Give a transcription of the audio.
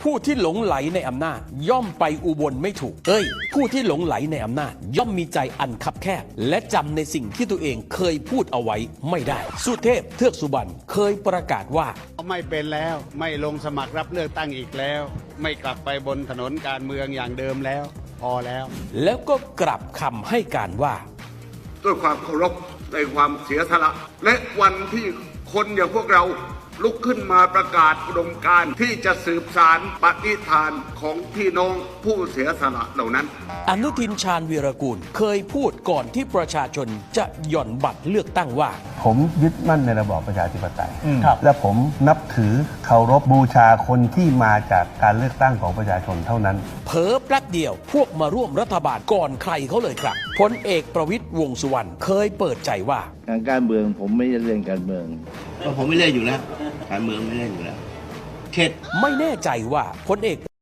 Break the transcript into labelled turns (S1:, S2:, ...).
S1: ผู้ที่หลงไหลในอำนาจย่อมไปอุบลไม่ถูกผู้ที่หลงไหลในอำนาจย่อมมีใจอันคับแคบและจำในสิ่งที่ตัวเองเคยพูดเอาไว้ไม่ได้สุเทพเทือกสุบรรณเคยประกาศว่า
S2: ไม่เป็นแล้วไม่ลงสมัครรับเลือกตั้งอีกแล้วไม่กลับไปบนถนนการเมืองอย่างเดิมแล้วพอแล้ว
S1: ก็กลับคำให้การว่า
S3: ด้วยความเคารพในความเสียสละและวันที่คนอย่างพวกเราลุกขึ้นมาประกาศอุดมการณ์ที่จะสืบสานปณิธานของพี่น้องผู้เสียสละเหล่านั้น
S1: อนุทินชาญวีรกูลเคยพูดก่อนที่ประชาชนจะหย่อนบัตรเลือกตั้งว่า
S4: ผมยึดมั่นในระบอบประชาธิปไตยและผมนับถือเคารพบูชาคนที่มาจากการเลือกตั้งของประชาชนเท่านั้น
S1: เผลอแป๊บเดียวพวกมาร่วมรัฐบาลก่อนใครเขาเลยครับพลเอกประวิตรวงษ์สุวรรณเคยเปิดใจว่า
S5: การเมืองผมไม่เล่นการเมือง
S6: ผมไม่เล่นอยู่แล้วการเมืองไม่เล่นอยู่แล้ว
S1: ไม่แน่ใจว่าพลเอก